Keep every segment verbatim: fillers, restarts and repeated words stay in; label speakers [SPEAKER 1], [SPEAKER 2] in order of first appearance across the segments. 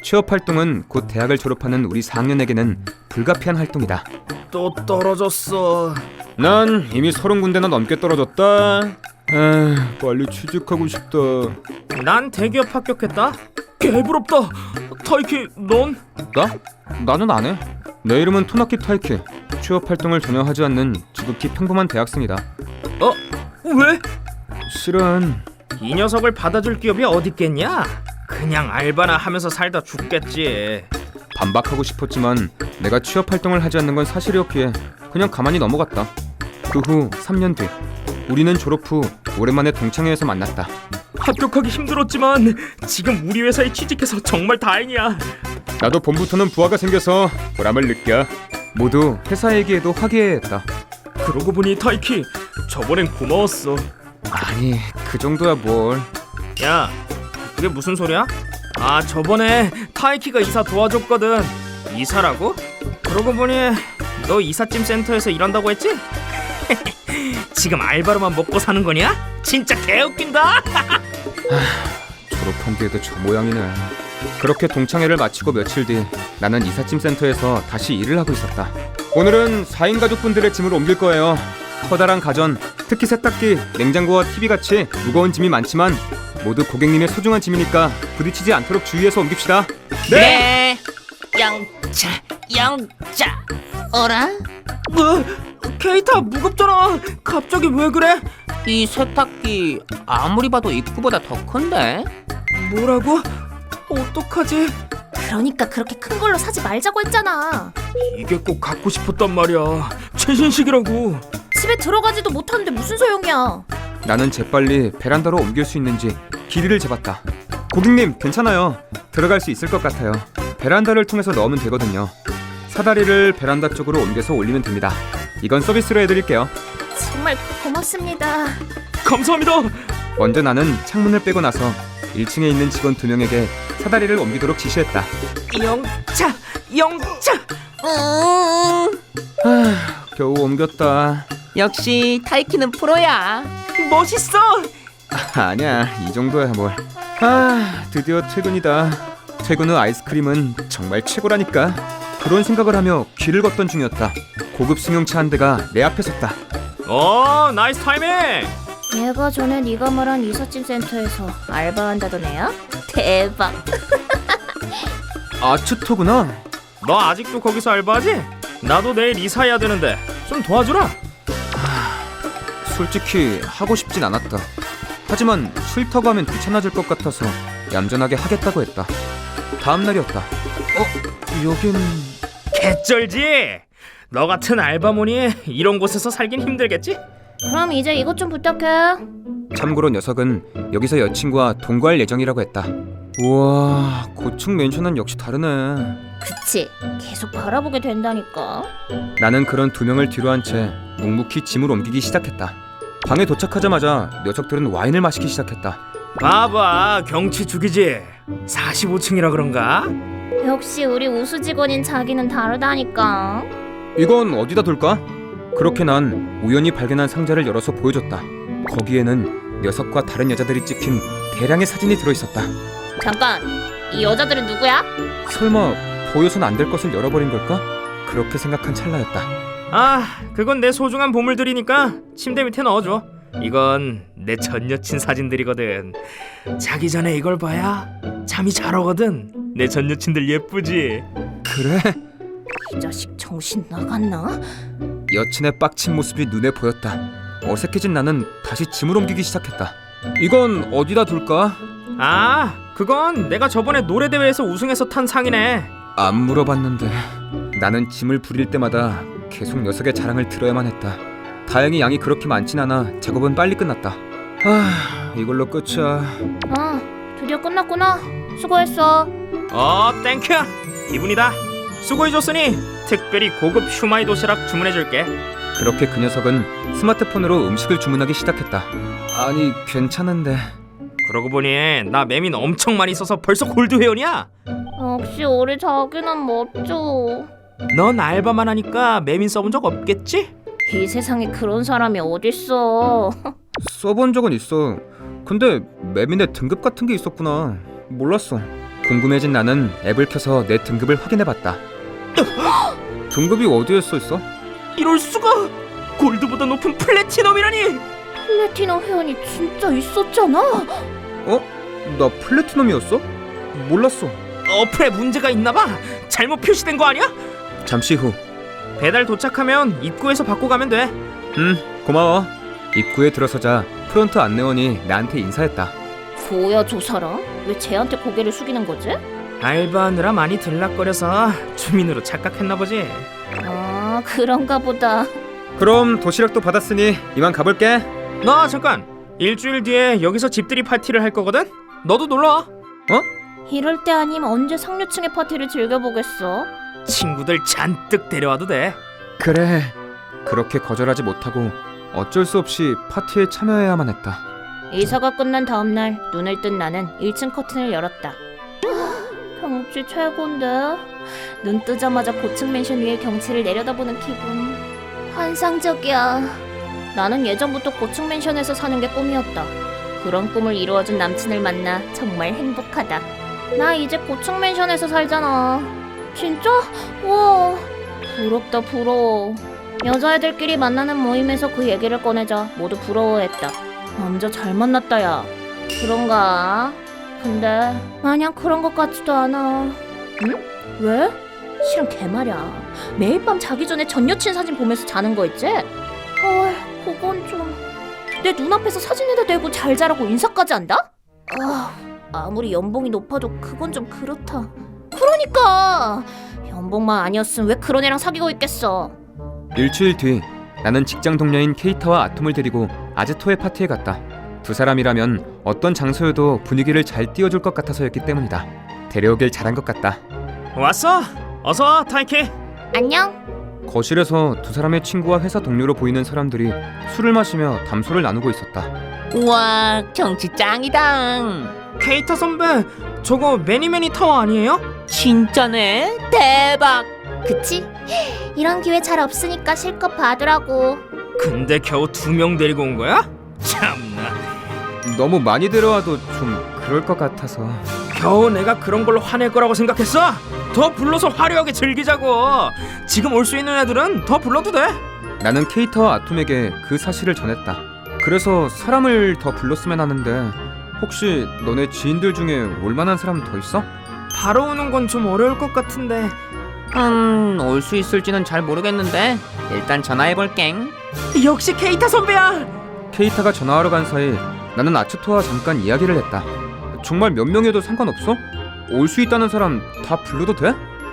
[SPEAKER 1] 취업 활동은 곧 대학을 졸업하는 우리 사 학년에게는 불가피한 활동이다.
[SPEAKER 2] 또 떨어졌어.
[SPEAKER 1] 난 이미 서른 군데나 넘게 떨어졌다. 아, 빨리 취직하고 싶다.
[SPEAKER 2] 난 대기업 합격했다. 개부럽다. 타이키, 넌?
[SPEAKER 1] 나? 나는 안 해. 내 이름은 토나키 타이키. 취업 활동을 전혀 하지 않는 지극히 평범한 대학생이다.
[SPEAKER 2] 어? 왜?
[SPEAKER 1] 실은
[SPEAKER 2] 이 녀석을 받아줄 기업이 어딨겠냐? 그냥 알바나 하면서 살다 죽겠지.
[SPEAKER 1] 반박하고 싶었지만 내가 취업 활동을 하지 않는 건 사실이었기에 그냥 가만히 넘어갔다. 그 후 삼 년 뒤 우리는 졸업 후 오랜만에 동창회에서 만났다.
[SPEAKER 2] 합격하기 힘들었지만 지금 우리 회사에 취직해서 정말 다행이야.
[SPEAKER 1] 나도 봄부터는 부하가 생겨서 보람을 느껴. 모두 회사 얘기에도 화기애애했다.
[SPEAKER 2] 그러고 보니 타이키, 저번엔 고마웠어.
[SPEAKER 1] 아니, 그 정도야 뭘.
[SPEAKER 2] 야, 그게 무슨 소리야? 아, 저번에 타이키가 이사 도와줬거든. 이사라고? 그러고 보니 너 이삿짐 센터에서 일한다고 했지? 지금 알바로만 먹고 사는 거냐? 진짜 개웃긴다.
[SPEAKER 1] 졸업한 뒤에도 저 모양이네. 그렇게 동창회를 마치고 며칠 뒤 나는 이삿짐 센터에서 다시 일을 하고 있었다. 오늘은 사 인 가족분들의 짐을 옮길 거예요. 커다란 가전, 특히 세탁기, 냉장고와 티비같이 무거운 짐이 많지만 모두 고객님의 소중한 짐이니까 부딪히지 않도록 주의해서 옮깁시다.
[SPEAKER 3] 네. 영차 영차 어라?
[SPEAKER 2] 뭐? 케이타, 무겁잖아. 갑자기 왜 그래?
[SPEAKER 3] 이 세탁기 아무리 봐도 입구보다 더 큰데?
[SPEAKER 2] 뭐라고? 어떡하지?
[SPEAKER 4] 그러니까 그렇게 큰 걸로 사지 말자고 했잖아.
[SPEAKER 2] 이게 꼭 갖고 싶었단 말이야. 최신식이라고.
[SPEAKER 4] 집에 들어가지도 못하는데 무슨 소용이야.
[SPEAKER 1] 나는 재빨리 베란다로 옮길 수 있는지 길이를 재봤다. 고객님, 괜찮아요. 들어갈 수 있을 것 같아요. 베란다를 통해서 넣으면 되거든요. 사다리를 베란다 쪽으로 옮겨서 올리면 됩니다. 이건 서비스로 해드릴게요.
[SPEAKER 4] 정말 고맙습니다.
[SPEAKER 2] 감사합니다.
[SPEAKER 1] 먼저 나는 창문을 빼고 나서 일 층에 있는 직원 두 명에게 사다리를 옮기도록 지시했다.
[SPEAKER 2] 영차, 영차.
[SPEAKER 3] 음,
[SPEAKER 1] 하, 겨우 옮겼다.
[SPEAKER 3] 역시 타이키는 프로야.
[SPEAKER 2] 멋있어.
[SPEAKER 1] 아, 아니야, 이 정도야 뭘. 아, 드디어 퇴근이다. 퇴근 후 아이스크림은 정말 최고라니까. 그런 생각을 하며 길을 걷던 중이었다. 고급 승용차 한 대가 내 앞에 섰다.
[SPEAKER 2] 어, 나이스 타이밍.
[SPEAKER 4] 얘가 전에 네가 말한 이삿짐 센터에서 알바한다던 애야? 대박.
[SPEAKER 1] 아츠토구나.
[SPEAKER 2] 너 아직도 거기서 알바하지? 나도 내일 이사해야 되는데 좀 도와주라.
[SPEAKER 1] 솔직히 하고 싶진 않았다. 하지만 싫다고 하면 귀찮아질 것 같아서 얌전하게 하겠다고 했다. 다음 날이었다. 어? 여긴...
[SPEAKER 2] 개쩔지? 너 같은 알바몬이 이런 곳에서 살긴 힘들겠지?
[SPEAKER 4] 그럼 이제 이것 좀 부탁해.
[SPEAKER 1] 참고로 녀석은 여기서 여친과 동거할 예정이라고 했다. 우와, 고층 맨션은 역시 다르네.
[SPEAKER 4] 그치, 계속 바라보게 된다니까.
[SPEAKER 1] 나는 그런 두 명을 뒤로 한 채 묵묵히 짐을 옮기기 시작했다. 방에 도착하자마자 녀석들은 와인을 마시기 시작했다.
[SPEAKER 2] 봐봐, 경치 죽이지. 사십오 층이라 그런가?
[SPEAKER 4] 역시 우리 우수 직원인 자기는 다르다니까.
[SPEAKER 1] 이건 어디다 둘까? 그렇게 난 우연히 발견한 상자를 열어서 보여줬다. 거기에는 녀석과 다른 여자들이 찍힌 대량의 사진이 들어있었다.
[SPEAKER 4] 잠깐, 이 여자들은 누구야?
[SPEAKER 1] 설마 보여선 안 될 것을 열어버린 걸까? 그렇게 생각한 찰나였다.
[SPEAKER 2] 아, 그건 내 소중한 보물들이니까 침대 밑에 넣어줘. 이건 내 전 여친 사진들이거든. 자기 전에 이걸 봐야 잠이 잘 오거든. 내 전 여친들 예쁘지?
[SPEAKER 1] 그래?
[SPEAKER 4] 이 자식 정신 나갔나?
[SPEAKER 1] 여친의 빡친 모습이 눈에 보였다. 어색해진 나는 다시 짐을 옮기기 시작했다. 이건 어디다 둘까?
[SPEAKER 2] 아, 그건 내가 저번에 노래대회에서 우승해서 탄 상이네.
[SPEAKER 1] 안 물어봤는데. 나는 짐을 부릴 때마다 계속 녀석의 자랑을 들어야만 했다. 다행히 양이 그렇게 많진 않아 작업은 빨리 끝났다. 아, 이걸로 끝이야.
[SPEAKER 4] 어, 드디어 끝났구나. 수고했어.
[SPEAKER 2] 어, 땡큐. 기분이다. 수고해줬으니 특별히 고급 슈마이 도시락 주문해줄게.
[SPEAKER 1] 그렇게 그 녀석은 스마트폰으로 음식을 주문하기 시작했다. 아니, 괜찮은데.
[SPEAKER 2] 그러고 보니 나 매민 엄청 많이 써서 벌써 골드 회원이야.
[SPEAKER 4] 역시 우리 자기는 멋져.
[SPEAKER 2] 넌 알바만 하니까 매민 써본 적 없겠지?
[SPEAKER 4] 이 세상에 그런 사람이 어딨어.
[SPEAKER 1] 써본 적은 있어. 근데 매민의 등급 같은 게 있었구나. 몰랐어. 궁금해진 나는 앱을 켜서 내 등급을 확인해봤다. 등급이 어디에 써있어?
[SPEAKER 2] 이럴 수가! 골드보다 높은 플래티넘이라니!
[SPEAKER 4] 플래티넘 회원이 진짜 있었잖아.
[SPEAKER 1] 어? 나 플래티넘이었어? 몰랐어.
[SPEAKER 2] 어플에 문제가 있나봐. 잘못 표시된 거 아니야?
[SPEAKER 1] 잠시 후.
[SPEAKER 2] 배달 도착하면 입구에서 받고 가면 돼.
[SPEAKER 1] 음, 고마워. 입구에 들어서자 프론트 안내원이 나한테 인사했다.
[SPEAKER 4] 뭐야 저 사람? 왜 쟤한테 고개를 숙이는 거지?
[SPEAKER 2] 알바하느라 많이 들락거려서 주민으로 착각했나 보지.
[SPEAKER 4] 아 그런가 보다.
[SPEAKER 1] 그럼 도시락도 받았으니 이만 가볼게.
[SPEAKER 2] 나 잠깐. 일주일 뒤에 여기서 집들이 파티를 할 거거든. 너도 놀러 와.
[SPEAKER 4] 이럴 때 아니면 언제 상류층의 파티를 즐겨보겠어?
[SPEAKER 2] 친구들 잔뜩 데려와도 돼.
[SPEAKER 1] 그래. 그렇게 거절하지 못하고 어쩔 수 없이 파티에 참여해야만 했다.
[SPEAKER 4] 이사가 끝난 다음날 눈을 뜬 나는 일 층 커튼을 열었다. 하, 경치 최고인데? 눈 뜨자마자 고층 맨션 위의 경치를 내려다보는 기분 환상적이야. 나는 예전부터 고층 맨션에서 사는 게 꿈이었다. 그런 꿈을 이루어준 남친을 만나 정말 행복하다. 나 이제 고층 맨션에서 살잖아. 진짜? 와 부럽다 부러워. 여자애들끼리 만나는 모임에서 그 얘기를 꺼내자 모두 부러워했다. 남자 잘 만났다 야. 그런가? 근데 마냥 그런 것 같지도 않아. 응? 왜? 실은 개말이야. 매일 밤 자기 전에 전 여친 사진 보면서 자는 거 있지? 헐 그건 좀... 내 눈앞에서 사진에다 대고 잘 자라고 인사까지 한다? 아, 아무리 연봉이 높아도 그건 좀 그렇다. 그러니까! 연봉만 아니었으면 왜 그런 애랑 사귀고 있겠어.
[SPEAKER 1] 일주일 뒤 나는 직장 동료인 케이타와 아톰을 데리고 아즈토의 파티에 갔다. 두 사람이라면 어떤 장소여도 분위기를 잘 띄워줄 것 같아서였기 때문이다. 데려오길 잘한 것 같다.
[SPEAKER 2] 왔어? 어서 와, 타이키.
[SPEAKER 4] 안녕?
[SPEAKER 1] 거실에서 두 사람의 친구와 회사 동료로 보이는 사람들이 술을 마시며 담소를 나누고 있었다.
[SPEAKER 3] 우와, 경치 짱이다.
[SPEAKER 2] 케이타 선배, 저거 매니매니 타워 아니에요?
[SPEAKER 3] 진짜네? 대박.
[SPEAKER 4] 그치? 이런 기회 잘 없으니까 실컷 봐두라고.
[SPEAKER 2] 근데 겨우 두 명 데리고 온 거야? 참나.
[SPEAKER 1] 너무 많이 데려와도 좀 그럴 것 같아서.
[SPEAKER 2] 겨우 내가 그런 걸로 화낼 거라고 생각했어? 더 불러서 화려하게 즐기자고. 지금 올 수 있는 애들은 더 불러도 돼.
[SPEAKER 1] 나는 케이타와 아톰에게 그 사실을 전했다. 그래서 사람을 더 불렀으면 하는데 혹시 너네 지인들 중에 올만한 사람 더 있어?
[SPEAKER 2] 바로 오는 건 좀 어려울 것 같은데.
[SPEAKER 3] 음, 올 수 있을지는 잘 모르겠는데 일단 전화해볼게.
[SPEAKER 2] 역시 케이타 선배야.
[SPEAKER 1] 케이타가 전화하러 간 사이 나는 아츠토와 잠깐 이야기를 했다. 정말 몇 명이어도 상관없어? 올 수 있다는 사람 다 불러도 돼?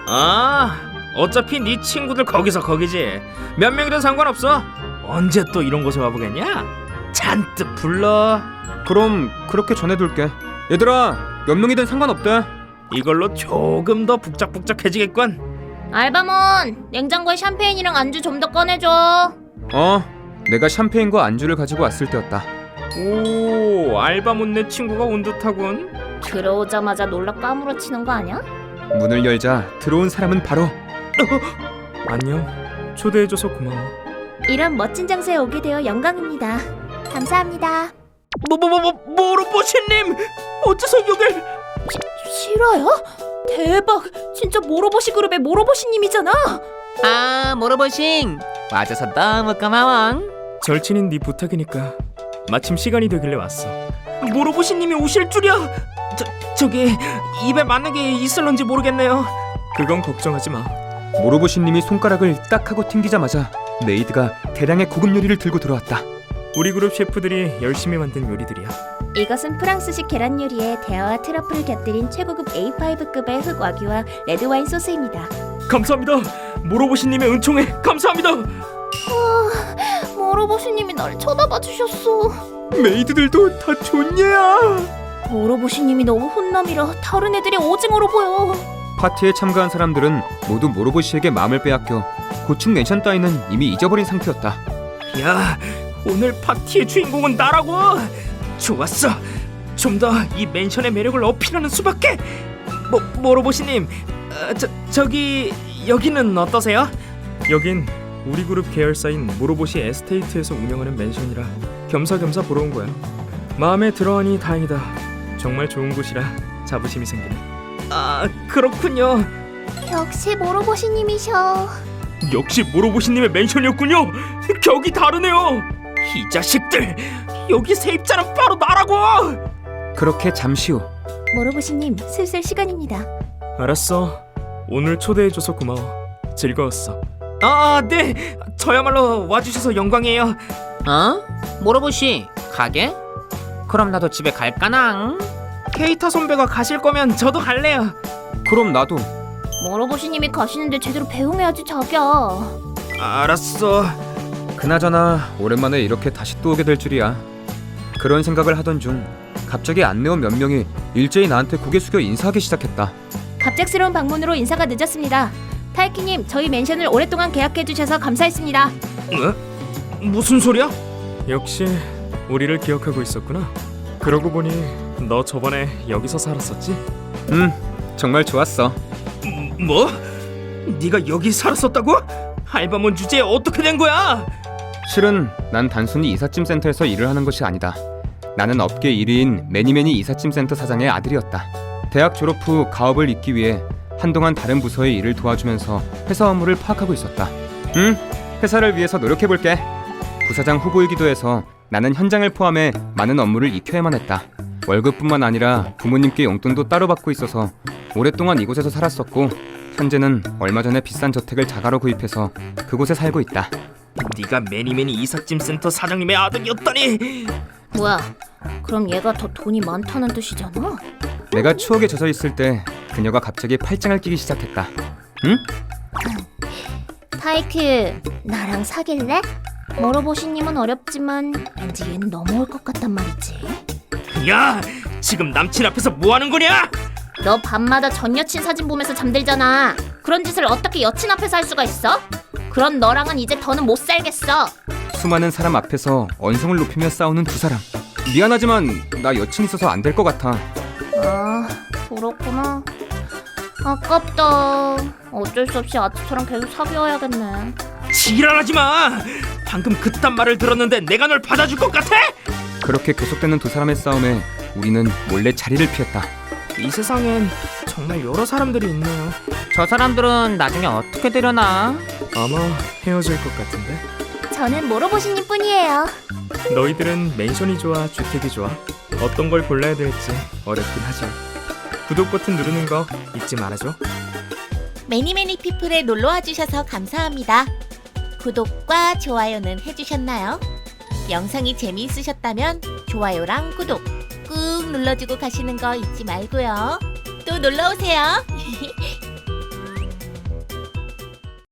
[SPEAKER 2] 아, 어차피 네 친구들 거기서 거기지. 몇 명이든 상관없어. 언제 또 이런 곳에 와보겠냐? 잔뜩 불러.
[SPEAKER 1] 그럼 그렇게 전해둘게. 얘들아, 몇 명이든 상관없대.
[SPEAKER 2] 이걸로 조금 더 북적북적해지겠군.
[SPEAKER 4] 알바몬, 냉장고에 샴페인이랑 안주 좀 더 꺼내줘.
[SPEAKER 1] 어, 내가 샴페인과 안주를 가지고 왔을 때였다.
[SPEAKER 2] 오, 알바몬 내 친구가 온 듯하군.
[SPEAKER 4] 들어오자마자 놀라 까무러치는 거 아니야?
[SPEAKER 1] 문을 열자 들어온 사람은 바로
[SPEAKER 2] 안녕. 초대해줘서 고마워.
[SPEAKER 4] 이런 멋진 장소에 오게 되어 영광입니다. 감사합니다.
[SPEAKER 2] 뭐뭐뭐뭐 모로보시님, 어째서 여길?
[SPEAKER 4] 실화야? 대박! 진짜 모로보시 그룹의 모로보시님이잖아.
[SPEAKER 3] 아, 모로보싱. 와줘서 너무 고마워.
[SPEAKER 2] 절친인 네 부탁이니까 마침 시간이 되길래 왔어. 모로보시님이 오실 줄이야. 저 저기 입에 맞는 게 있을런지 모르겠네요. 그건 걱정하지 마.
[SPEAKER 1] 모로보시님이 손가락을 딱 하고 튕기자마자 메이드가 대량의 고급 요리를 들고 들어왔다.
[SPEAKER 2] 우리 그룹 셰프들이 열심히 만든 요리들이야.
[SPEAKER 4] 이것은 프랑스식 계란 요리에 대하와 트러플을 곁들인 최고급 에이 파이브급의 흑와규와 레드와인 소스입니다.
[SPEAKER 2] 감사합니다. 모로보시님의 은총에 감사합니다.
[SPEAKER 4] 모로보시님이 날 쳐다봐 주셨어.
[SPEAKER 1] 메이드들도 다 좋냐?
[SPEAKER 4] 모로보시님이 너무 혼남이라 다른 애들이 오징어로 보여.
[SPEAKER 1] 파티에 참가한 사람들은 모두 모로보시에게 마음을 빼앗겨 고층 맨션 따위는 이미 잊어버린 상태였다.
[SPEAKER 2] 야, 오늘 파티의 주인공은 나라고. 좋았어. 좀 더 이 맨션의 매력을 어필하는 수밖에. 모, 모로보시님, 어, 저, 저기 여기는 어떠세요? 여긴 우리 그룹 계열사인 모로보시 에스테이트에서 운영하는 맨션이라 겸사겸사 보러 온 거야. 마음에 들어하니 다행이다. 정말 좋은 곳이라 자부심이 생기네. 아, 그렇군요.
[SPEAKER 4] 역시 모로보시님이셔.
[SPEAKER 2] 역시 모로보시님의 맨션이었군요. 격이 다르네요. 이 자식들, 여기 세입자는 바로 나라고.
[SPEAKER 1] 그렇게 잠시 후
[SPEAKER 4] 모로보시님, 슬슬 시간입니다.
[SPEAKER 2] 알았어. 오늘 초대해줘서 고마워. 즐거웠어. 아, 네. 저야말로 와주셔서 영광이에요.
[SPEAKER 3] 어? 모로보시 가게? 그럼 나도 집에 갈까낭?
[SPEAKER 2] 케이타 선배가 가실 거면 저도 갈래요.
[SPEAKER 1] 그럼 나도.
[SPEAKER 4] 모로보시님이 가시는데 제대로 배웅해야지 자기야.
[SPEAKER 2] 알았어.
[SPEAKER 1] 그나저나 오랜만에 이렇게 다시 또 오게 될 줄이야. 그런 생각을 하던 중 갑자기 안내원 몇 명이 일제히 나한테 고개 숙여 인사하기 시작했다.
[SPEAKER 4] 갑작스러운 방문으로 인사가 늦었습니다. 타이키님, 저희 맨션을 오랫동안 계약해주셔서 감사했습니다.
[SPEAKER 2] 어? 무슨 소리야? 역시 우리를 기억하고 있었구나. 그러고 보니 너 저번에 여기서 살았었지?
[SPEAKER 1] 음, 정말 좋았어.
[SPEAKER 2] 뭐? 네가 여기 살았었다고? 알바몬 주제에 어떻게 된 거야?
[SPEAKER 1] 실은 난 단순히 이삿짐 센터에서 일을 하는 것이 아니다. 나는 업계 일 위인 매니매니 이삿짐 센터 사장의 아들이었다. 대학 졸업 후 가업을 잇기 위해 한동안 다른 부서의 일을 도와주면서 회사 업무를 파악하고 있었다. 응, 회사를 위해서 노력해볼게. 부사장 후보이기도 해서 나는 현장을 포함해 많은 업무를 익혀야만 했다. 월급뿐만 아니라 부모님께 용돈도 따로 받고 있어서 오랫동안 이곳에서 살았었고, 현재는 얼마 전에 비싼 저택을 자가로 구입해서 그곳에 살고 있다.
[SPEAKER 2] 네가 매니매니 이삿짐 센터 사장님의 아들이었다니.
[SPEAKER 4] 뭐야, 그럼 얘가 더 돈이 많다는 뜻이잖아?
[SPEAKER 1] 내가 추억에 젖어 있을 때 그녀가 갑자기 팔짱을 끼기 시작했다. 응?
[SPEAKER 4] 타이키, 나랑 사귈래? 모로보시님은 어렵지만 왠지 얘는 넘어올 것 같단 말이지.
[SPEAKER 2] 야, 지금 남친 앞에서 뭐 하는 거냐?
[SPEAKER 4] 너 밤마다 전 여친 사진 보면서 잠들잖아. 그런 짓을 어떻게 여친 앞에서 할 수가 있어? 그런 너랑은 이제 더는 못 살겠어.
[SPEAKER 1] 수많은 사람 앞에서 언성을 높이며 싸우는 두 사람. 미안하지만 나 여친 있어서 안 될 것 같아.
[SPEAKER 4] 아, 그렇구나. 아깝다. 어쩔 수 없이 아트처럼 계속 사귀어야겠네.
[SPEAKER 2] 지랄하지 마. 방금 그딴 말을 들었는데 내가 널 받아줄 것 같아?
[SPEAKER 1] 그렇게 계속되는 두 사람의 싸움에 우리는 몰래 자리를 피했다.
[SPEAKER 2] 이 세상엔 정말 여러 사람들이 있네요.
[SPEAKER 3] 저 사람들은 나중에 어떻게 되려나?
[SPEAKER 2] 아마 헤어질 것 같은데.
[SPEAKER 4] 저는 모로보시님 뿐이에요.
[SPEAKER 2] 너희들은 맨션이 좋아, 주택이 좋아? 어떤 걸 골라야 될지 어렵긴 하죠. 구독 버튼 누르는 거 잊지 말아줘.
[SPEAKER 5] 매니매니 피플에 놀러와 주셔서 감사합니다. 구독과 좋아요는 해주셨나요? 영상이 재미있으셨다면 좋아요랑 구독 꾹 눌러주고 가시는 거 잊지 말고요. 또 놀러오세요.